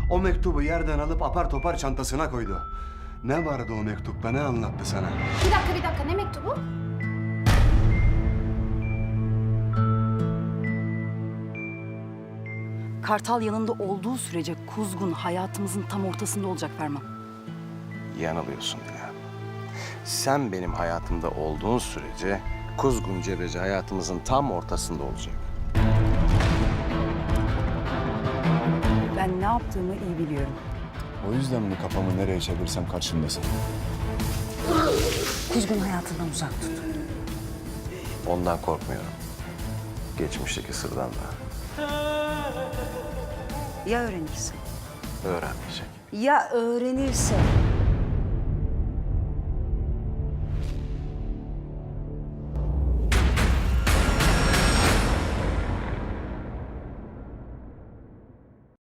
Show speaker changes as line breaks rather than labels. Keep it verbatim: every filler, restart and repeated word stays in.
O mektubu yerden alıp apar topar çantasına koydu. Ne vardı o mektupta, ne anlattı sana?
Bir dakika bir dakika ne mektubu?
Kartal yanında olduğu sürece Kuzgun hayatımızın tam ortasında olacak Ferman.
Yanılıyorsun Dila. Sen benim hayatımda olduğun sürece Kuzgun Cebeci hayatımızın tam ortasında olacak.
Ben ne yaptığımı iyi biliyorum.
O yüzden mi kafamı nereye çevirsem karşımdasın?
Kuzgun hayatından uzak tut.
Ondan korkmuyorum. Geçmişteki sırdan da
Ya öğrenirse?
öğrenmeyecek.
Ya öğrenirse?